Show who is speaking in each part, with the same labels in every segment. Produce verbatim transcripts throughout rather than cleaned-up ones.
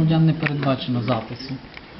Speaker 1: громадян не передбачено запису.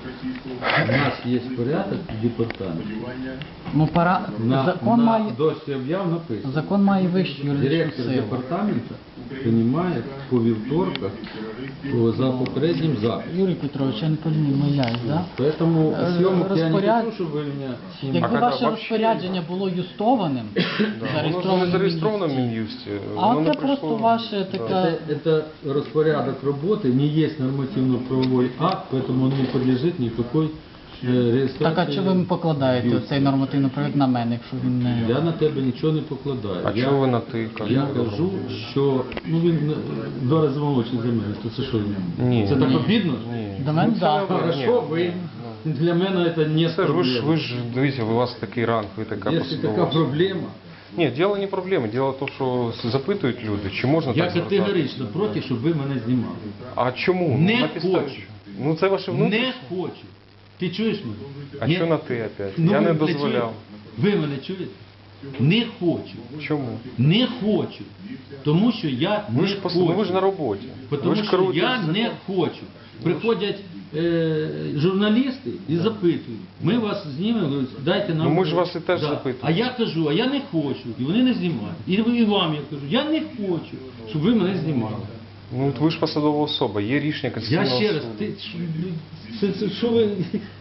Speaker 2: У нас є порядок в департаменті.
Speaker 1: Ну, пора...
Speaker 2: На,
Speaker 1: закон,
Speaker 2: на
Speaker 1: має...
Speaker 2: дошці об'яв написано.
Speaker 1: закон має вищу юридичну
Speaker 2: Директор
Speaker 1: силу.
Speaker 2: департаменту приймає по вівторках по, за попереднім записом.
Speaker 1: Юрій Петрович, я не помиляюсь, да?
Speaker 2: Поэтому
Speaker 1: Е,
Speaker 2: съемок я не
Speaker 1: розпоряд-
Speaker 2: хочу, щоб ви мене...
Speaker 1: Якби
Speaker 3: А
Speaker 1: ваше
Speaker 3: коли
Speaker 1: розпорядження було юстованим,
Speaker 3: Воно ж не зареєстровано в Мін'юсті.
Speaker 1: а
Speaker 3: воно не
Speaker 1: це просто
Speaker 3: прийшло.
Speaker 1: ваше таке...
Speaker 2: Это, это распорядок работы, не есть нормативно-правовой акт, поэтому он не подлежит никакой э, реєстрації.
Speaker 1: Так, а чого ви покладаєте
Speaker 2: Юрій.
Speaker 1: цей нормативний проект на мене, якщо він не...
Speaker 2: Я на тебе нічого не покладаю.
Speaker 3: А
Speaker 2: я,
Speaker 3: чого ви на ти кажете?
Speaker 2: Я кажу, що ну він е, два рази молодший за мене, то це що?
Speaker 3: Ні.
Speaker 2: Це так
Speaker 3: Ні.
Speaker 2: обідно?
Speaker 3: Ні.
Speaker 1: До мене,
Speaker 3: це
Speaker 1: так.
Speaker 3: не
Speaker 2: Хорошо, ви для мене це не
Speaker 3: Це ж ви ж,
Speaker 2: проблема.
Speaker 3: ви ж, дивіться, у вас такий ранг, ви така
Speaker 2: Якщо
Speaker 3: посадова
Speaker 2: така
Speaker 3: особа.
Speaker 2: проблема,
Speaker 3: Ні, діло не проблема, діло в тому, що запитують люди, чи можна
Speaker 2: я
Speaker 3: так звертатися.
Speaker 2: категорично проти, щоб ви мене знімали.
Speaker 3: А чому?
Speaker 2: Не
Speaker 3: На підставі
Speaker 2: хочу.
Speaker 3: чого? Ну це ваше внутрішнє.
Speaker 2: Не хочу. Ти чуєш мене?
Speaker 3: А
Speaker 2: Ні?
Speaker 3: що на ти опять?
Speaker 2: Ну,
Speaker 3: Я не
Speaker 2: ви
Speaker 3: дозволяв.
Speaker 2: чуєте? Ви мене чуєте? Не хочу.
Speaker 3: Чому?
Speaker 2: Не хочу. Тому що я
Speaker 3: Ви
Speaker 2: не
Speaker 3: ж, пос...
Speaker 2: хочу.
Speaker 3: ну, ви ж на роботі.
Speaker 2: Тому
Speaker 3: ви ж
Speaker 2: що
Speaker 3: керуєте
Speaker 2: я
Speaker 3: законом.
Speaker 2: не хочу. Приходять е, журналісти і запитують. Ми вас знімемо, говорять, дайте нам...
Speaker 3: Ну, ми ж вас і теж запитуємо.
Speaker 2: А я кажу, а я не хочу. І вони не знімають. І ви- і вам я кажу, я не хочу, щоб ви мене знімали.
Speaker 3: Ну, от ви ж посадова особа, є рішення
Speaker 2: Я
Speaker 3: Конституційного
Speaker 2: ще раз,
Speaker 3: суду.
Speaker 2: ти, що, це, це, що ви...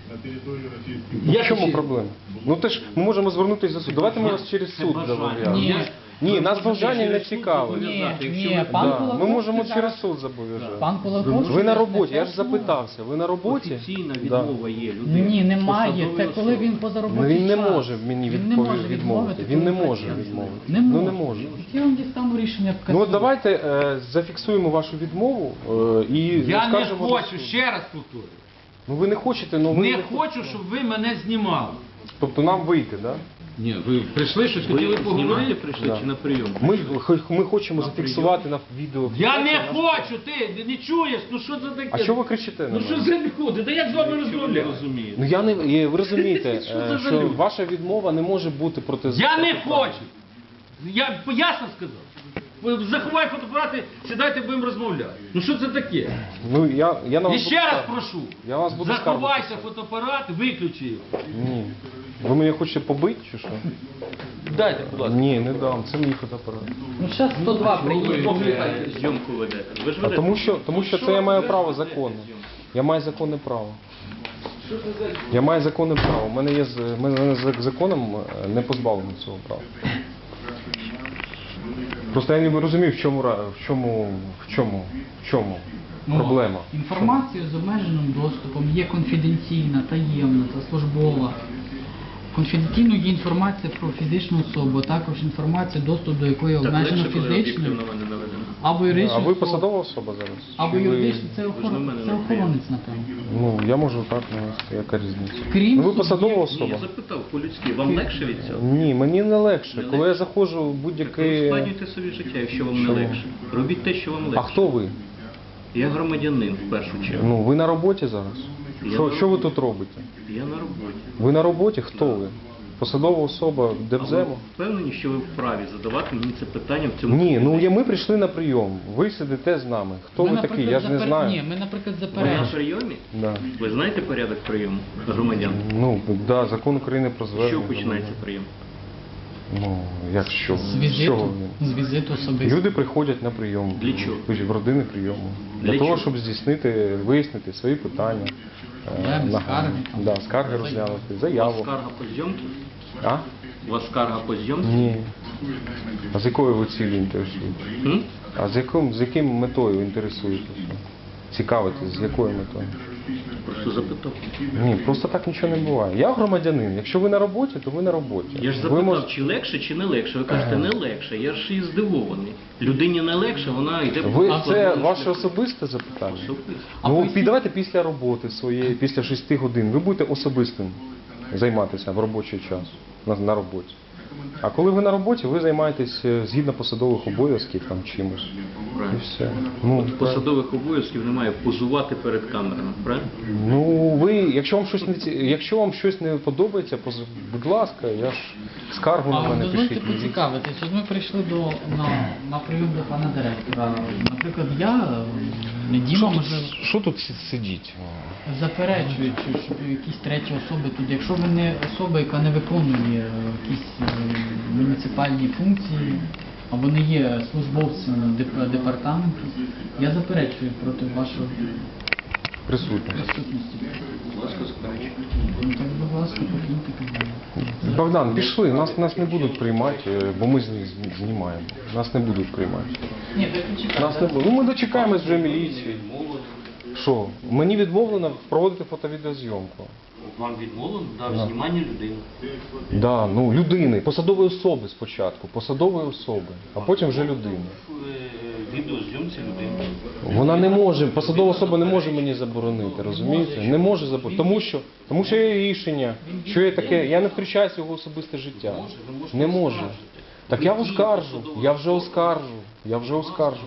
Speaker 3: Ну,
Speaker 2: Я
Speaker 3: в чому
Speaker 2: ще-
Speaker 3: проблема? Ну ти ж ми можемо звернутися до суду. Давайте ми вас через суд зобов'яжемо.
Speaker 1: Ні.
Speaker 3: Ні, нас бажання не цікавить.
Speaker 1: Ні, ні, пан
Speaker 3: Да.
Speaker 1: Кулаков
Speaker 3: Ми можемо
Speaker 1: сказав-
Speaker 3: через суд зобов'язати.
Speaker 1: Пан Кулаков...
Speaker 3: Ви на
Speaker 1: що
Speaker 3: роботі, я ж
Speaker 1: це
Speaker 3: запитався. Ви на роботі?
Speaker 4: Офіційна
Speaker 3: Да.
Speaker 4: відмова є людини.
Speaker 1: Ні, немає.
Speaker 4: Посадової
Speaker 1: Це коли
Speaker 4: особи.
Speaker 1: він поза
Speaker 3: Ну
Speaker 1: робочий
Speaker 3: він не
Speaker 1: час.
Speaker 3: може мені
Speaker 1: Він не
Speaker 3: відпові-
Speaker 1: може
Speaker 3: відмовити.
Speaker 1: коли
Speaker 3: Він не може
Speaker 1: працює.
Speaker 3: відмовити.
Speaker 1: Не
Speaker 3: Ну
Speaker 1: може.
Speaker 3: не може.
Speaker 1: Я вам дістану рішення в
Speaker 3: Ну
Speaker 1: касу.
Speaker 3: от давайте е, зафіксуємо вашу відмову е, і
Speaker 2: Я не
Speaker 3: скажемо до
Speaker 2: хочу,
Speaker 3: суду.
Speaker 2: ще раз повторюю.
Speaker 3: Ну ви не хочете, ну ви
Speaker 2: Не хочу, щоб ви мене знімали.
Speaker 3: Тобто нам вийти, так? Да?
Speaker 2: Ні, ви прийшли, щось
Speaker 4: Ви
Speaker 2: хотіли
Speaker 4: знімати
Speaker 2: поговорити?
Speaker 4: прийшли
Speaker 3: Да.
Speaker 4: чи на прийом?
Speaker 3: Ми, ми хочемо зафіксувати на відео.
Speaker 2: Я не хочу, ти не чуєш, ну що це таке?
Speaker 3: А що ви кричите на
Speaker 2: Ну що
Speaker 3: мене?
Speaker 2: за люди? Да як з вами
Speaker 4: Що ви не
Speaker 2: розмовляти?
Speaker 4: розумієте?
Speaker 3: Ну я не є- ви розумієте,
Speaker 2: Що
Speaker 3: е,
Speaker 2: це за
Speaker 3: що
Speaker 2: люди?
Speaker 3: ваша відмова не може бути проти
Speaker 2: Я не хочу. Я ясно сказав. Ви заховай фотоапарати, сідайте, будемо розмовляти. Ну що це таке?
Speaker 3: Ну я, я на
Speaker 2: І
Speaker 3: вас
Speaker 2: ще
Speaker 3: буду
Speaker 2: раз
Speaker 3: скаржити.
Speaker 2: прошу.
Speaker 3: Я вас буду
Speaker 2: Заховайся
Speaker 3: скаржити.
Speaker 2: фотоапарат, виключи його.
Speaker 3: Ні. Ви мене хочете побити чи що?
Speaker 2: Дайте, будь ласка.
Speaker 3: Ні, не дам. Це мій фотоапарат.
Speaker 1: Ну, зараз сто два приїде.
Speaker 4: Зйомку ведете. Ви ж
Speaker 3: А
Speaker 4: ведете.
Speaker 3: тому що, тому що це я маю право законне. Я маю законне право. Я маю законне право. У мене є з- в мене за законом е, не позбавлено цього права. Просто я не розумію, в чому ра- в чому в чому в чому проблема.
Speaker 1: Інформація з обмеженим доступом є конфіденційна, таємна та службова. Конфіденційною є інформація про фізичну особу, а також інформація, доступ до якої
Speaker 4: Так
Speaker 1: обмежено
Speaker 4: легше, коли
Speaker 1: фізичною
Speaker 4: об'єктивно мене наведено.
Speaker 1: або
Speaker 3: А
Speaker 1: юридичною
Speaker 3: ви
Speaker 1: особою,
Speaker 3: посадова особа зараз?
Speaker 1: або
Speaker 3: Чи ви-
Speaker 1: юридичною, це,
Speaker 4: Ви ж на
Speaker 1: охорон...
Speaker 4: мене
Speaker 1: це
Speaker 4: не
Speaker 1: охоронець, напевно.
Speaker 3: Ну, я можу так навести, яка різниця.
Speaker 1: Крім
Speaker 3: Ну, ви
Speaker 1: судді-
Speaker 3: посадова
Speaker 4: Ні,
Speaker 3: особа?
Speaker 4: я запитав по-людськи, вам легше від цього?
Speaker 3: Ні, мені не легше.
Speaker 4: Не
Speaker 3: Коли я
Speaker 4: легше?
Speaker 3: заходжу в
Speaker 4: Так
Speaker 3: будь-який...
Speaker 4: ускладнюйте собі життя, якщо вам не
Speaker 3: Чому?
Speaker 4: легше. Робіть те, що вам легше.
Speaker 3: А хто ви?
Speaker 4: Я громадянин в першу чергу.
Speaker 3: Ну, ви на роботі зараз?
Speaker 4: Я
Speaker 3: Що,
Speaker 4: на
Speaker 3: що ви
Speaker 4: роботі.
Speaker 3: тут робите?
Speaker 4: Я на роботі.
Speaker 3: Ви на роботі? Хто ви? Посадова особа
Speaker 4: А ви
Speaker 3: Держзему?
Speaker 4: впевнені, що ви вправі задавати мені це питання в цьому
Speaker 3: Ні, ну
Speaker 4: кабінеті?
Speaker 3: я, ми прийшли на прийом. Ви сидите з нами. Хто
Speaker 1: Ми,
Speaker 3: ви
Speaker 1: наприклад,
Speaker 3: такий? Я ж не
Speaker 1: запер-
Speaker 3: знаю.
Speaker 1: Ні, ми, наприклад,
Speaker 4: Ви на
Speaker 1: заперечуємо.
Speaker 4: прийомі?
Speaker 3: Да.
Speaker 4: Ви знаєте порядок прийому громадян?
Speaker 3: Ну, да, закон України про
Speaker 4: Що
Speaker 3: звернення.
Speaker 4: починається прийом?
Speaker 3: Ну, як що?
Speaker 1: З
Speaker 3: чого
Speaker 1: візиту,
Speaker 3: він?
Speaker 1: з візиту особисто.
Speaker 3: Люди приходять на прийом.
Speaker 4: Для чого?
Speaker 3: В родини прийому. Для,
Speaker 4: Для
Speaker 3: того,
Speaker 4: чого?
Speaker 3: щоб здійснити, вияснити свої питання. е,
Speaker 1: Да,
Speaker 3: на-
Speaker 1: скарги там.
Speaker 3: Да, скарги
Speaker 1: Заяву.
Speaker 3: розглянути,
Speaker 4: У вас
Speaker 3: заяву.
Speaker 4: скарга по зйомці?
Speaker 3: А?
Speaker 4: У вас скарга по зйомці?
Speaker 3: Ні. А з якою ви цілі інтересуєтесь?
Speaker 4: М?
Speaker 3: А з яким, з яким метою інтересуєтеся? Цікавитесь, з якою метою?
Speaker 4: Просто запитав.
Speaker 3: Ні, просто так нічого не буває. Я громадянин. Якщо ви на роботі, то ви на роботі.
Speaker 4: Я ж
Speaker 3: ви
Speaker 4: запитав,
Speaker 3: можете-
Speaker 4: чи легше, чи не легше. Ви кажете, не легше. Я ж і здивований. Людині не легше, вона йде по
Speaker 3: Ви, це
Speaker 4: складному
Speaker 3: ваше
Speaker 4: шляху.
Speaker 3: особисте запитання?
Speaker 4: Особисто.
Speaker 1: А
Speaker 3: Ну,
Speaker 1: поясніть-
Speaker 3: пі- давайте після роботи своєї, після шести годин, ви будете особистим займатися в робочий час, на, на роботі. А коли ви на роботі, ви займаєтесь е, згідно посадових обов'язків там чимось. І
Speaker 4: Правильно.
Speaker 3: все. Ну,
Speaker 4: От посадових обов'язків немає позувати перед камерами, правильно?
Speaker 3: ну ви, якщо вам щось не ці- якщо вам щось не подобається, поз- будь ласка, я ж скаргу на
Speaker 1: А
Speaker 3: мене
Speaker 1: дозвольте
Speaker 3: пишіть.
Speaker 1: поцікавитись, от ми прийшли до, на, на прийом до пана директора. Наприклад, я не Діма,
Speaker 3: Що тут,
Speaker 1: можливо,
Speaker 3: що тут си- сидіть?
Speaker 1: заперечують, що- щоб якісь треті особи тут. Якщо ви не особа, яка не виконує е, якісь е, муніципальні функції, або не є службовцем деп- департаменту, я заперечую проти вашої
Speaker 3: Присутні.
Speaker 1: присутності. Ну так, будь ласка, покиньте кабінет.
Speaker 3: Богдан, пішли, нас, нас не будуть приймати, е, бо ми зні- зні- знімаємо. Нас не будуть приймати.
Speaker 1: Ні, так не чекайте.
Speaker 3: Нас не буде. Ну ми дочекаємось вже міліції. Що? Мені відмовлено проводити фото-відеозйомку.
Speaker 4: Вам відмовлено дав
Speaker 3: Да.
Speaker 4: знімання людини.
Speaker 3: Да, ну людини, посадової особи спочатку, посадової особи, а потім вже людини.
Speaker 4: В е, відеозйомці людини.
Speaker 3: Вона не може, посадова особа не може мені заборонити, розумієте? Не може заборонити, тому що, тому що є рішення, що є таке, я не втручаюся в його особисте життя. Не може. Так я оскаржу, я вже оскаржу, я вже оскаржу.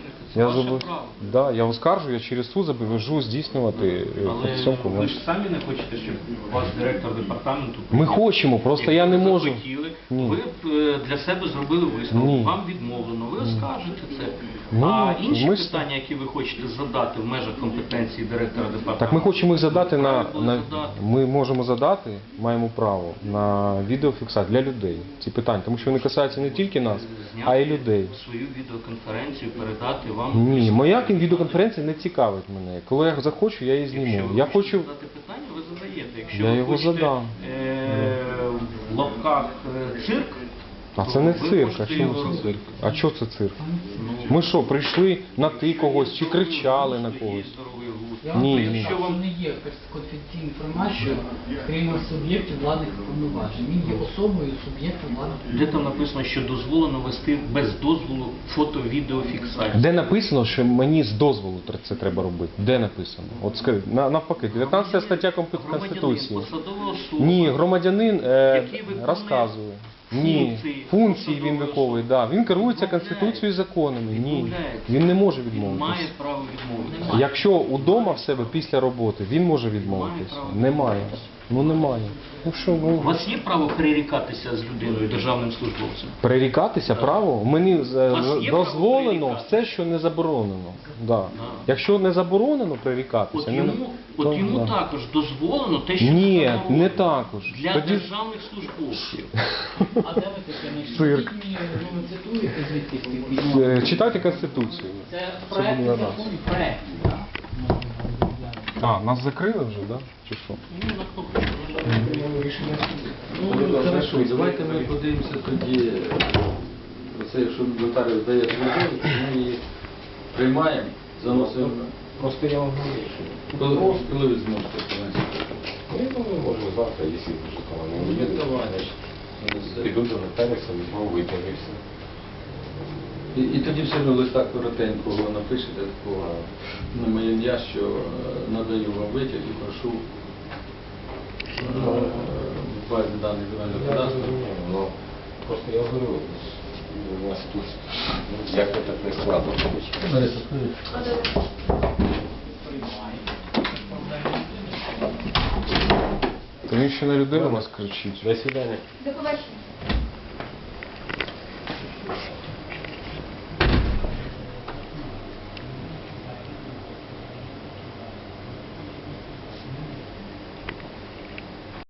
Speaker 3: Я
Speaker 4: Ваше
Speaker 3: забув.
Speaker 4: право.
Speaker 3: Да, я оскаржу, я через суд зобов'яжу здійснювати е,
Speaker 4: Але
Speaker 3: фотосйомку.
Speaker 4: ви ж самі не хочете, щоб ваш директор департаменту...
Speaker 3: Ми хочемо, просто я не
Speaker 4: Якщо ви
Speaker 3: можу.
Speaker 4: захотіли,
Speaker 3: Ні.
Speaker 4: ви б е, для себе зробили висновок,
Speaker 3: Ні.
Speaker 4: вам відмовлено, ви оскаржите це.
Speaker 3: Ну,
Speaker 4: а інші
Speaker 3: ми ж-
Speaker 4: питання, які ви хочете задати в межах компетенції директора департаменту...
Speaker 3: Так ми хочемо їх задати на,
Speaker 4: Право
Speaker 3: на
Speaker 4: задати.
Speaker 3: ми можемо задати, маємо право на відеофіксацію для людей ці питання, тому що вони касаються не тільки нас,
Speaker 4: Зняти
Speaker 3: а й людей.
Speaker 4: свою відеоконференцію, передати вам...
Speaker 3: Ні, моя відеоконференція не цікавить мене. Коли я захочу, я її
Speaker 4: Якщо
Speaker 3: зніму.
Speaker 4: ви
Speaker 3: Я
Speaker 4: хочете
Speaker 3: хочу.
Speaker 4: задати питання, ви задаєте. Якщо
Speaker 3: Я
Speaker 4: ви
Speaker 3: його
Speaker 4: хочете
Speaker 3: задам.
Speaker 4: е, в лапках е, цирк,
Speaker 3: А
Speaker 4: то
Speaker 3: це не
Speaker 4: ви
Speaker 3: цирк, а
Speaker 4: можете
Speaker 3: чому
Speaker 4: його
Speaker 3: це
Speaker 4: робити.
Speaker 3: цирк? А що це цирк? Ми що, прийшли на ти когось чи кричали на когось?
Speaker 4: Здоровий глузд.
Speaker 1: Я вам
Speaker 3: Ні,
Speaker 1: кажу,
Speaker 3: ні.
Speaker 1: що вам не є конфіденційна інформація, крім суб'єктів владних повноважень. Він є особою суб'єкту владних
Speaker 4: Де
Speaker 1: повноважень.
Speaker 4: там написано, що дозволено вести без дозволу фото-відеофіксацію?
Speaker 3: Де написано, що мені з дозволу тр- це треба робити? Де написано? От скажи, на- навпаки, дев'ятнадцята стаття Конституції.
Speaker 4: Громадянин, посадова особа.
Speaker 3: Ні, громадянин е,
Speaker 4: Який виконує
Speaker 3: розказує. Ні,
Speaker 4: функції
Speaker 3: функції він
Speaker 4: посадової
Speaker 3: виконує,
Speaker 4: особи.
Speaker 3: да. Він керується
Speaker 4: Відмовляється.
Speaker 3: Конституцією і законами. Ні,
Speaker 4: Відмовляється.
Speaker 3: він не може
Speaker 4: Він
Speaker 3: відмовитися.
Speaker 4: має право відмовитися.
Speaker 3: Якщо удома в себе після роботи, він може відмовитися.
Speaker 4: право
Speaker 3: Немає. Ну немає. Ну що,
Speaker 4: У
Speaker 3: ну
Speaker 4: вас є право перерікатися з людиною, державним службовцем?
Speaker 3: перерікатися право? Мені з-
Speaker 4: вас є право
Speaker 3: дозволено
Speaker 4: перерікатися?
Speaker 3: все, що не заборонено. Да. Якщо не заборонено перерікатися,
Speaker 4: От
Speaker 3: не-
Speaker 4: йому,
Speaker 3: то,
Speaker 4: от йому
Speaker 3: да.
Speaker 4: також дозволено те, що
Speaker 3: Ні,
Speaker 4: заборонено.
Speaker 3: не також.
Speaker 4: Для
Speaker 3: Тоді
Speaker 4: державних службовців.
Speaker 1: А де ви таке знайшли?
Speaker 3: Цирк.
Speaker 1: Скажіть мені, ну, ви цитуєте звідки з тих відмов?
Speaker 3: е, читайте Конституцію.
Speaker 1: Це
Speaker 3: Це
Speaker 1: проект
Speaker 3: буде
Speaker 1: закону,
Speaker 3: раз.
Speaker 1: проект. так?
Speaker 3: А, нас закрили вже, да? Чи що?
Speaker 4: Ну, на кнопку.
Speaker 2: Ну, хорошо, давайте ми подивимося тоді, оце, якщо нотаріус дає згоду, то ми її приймаємо, заносимо.
Speaker 5: Просто я вам говорю, що
Speaker 2: Коли, коли ви зможете принести?
Speaker 5: ну, я думаю, можно завтра, если уже там не
Speaker 2: Ну,
Speaker 5: будет,
Speaker 2: давай.
Speaker 5: значит, иду до нотариуса, возьму, выпрямишься.
Speaker 2: І, і тоді все одно листа коротенького напишете такого на моє ім'я, що е, надаю вам витяг і прошу е, в базі даних земельного
Speaker 5: Я
Speaker 2: кадастру.
Speaker 5: разумею, но просто я говорю, у нас тут, ну, як это не складно получилось.
Speaker 2: Лариса, скажіть.
Speaker 3: То він ще на людину нас кричить.
Speaker 5: До свидания.
Speaker 6: До побачення.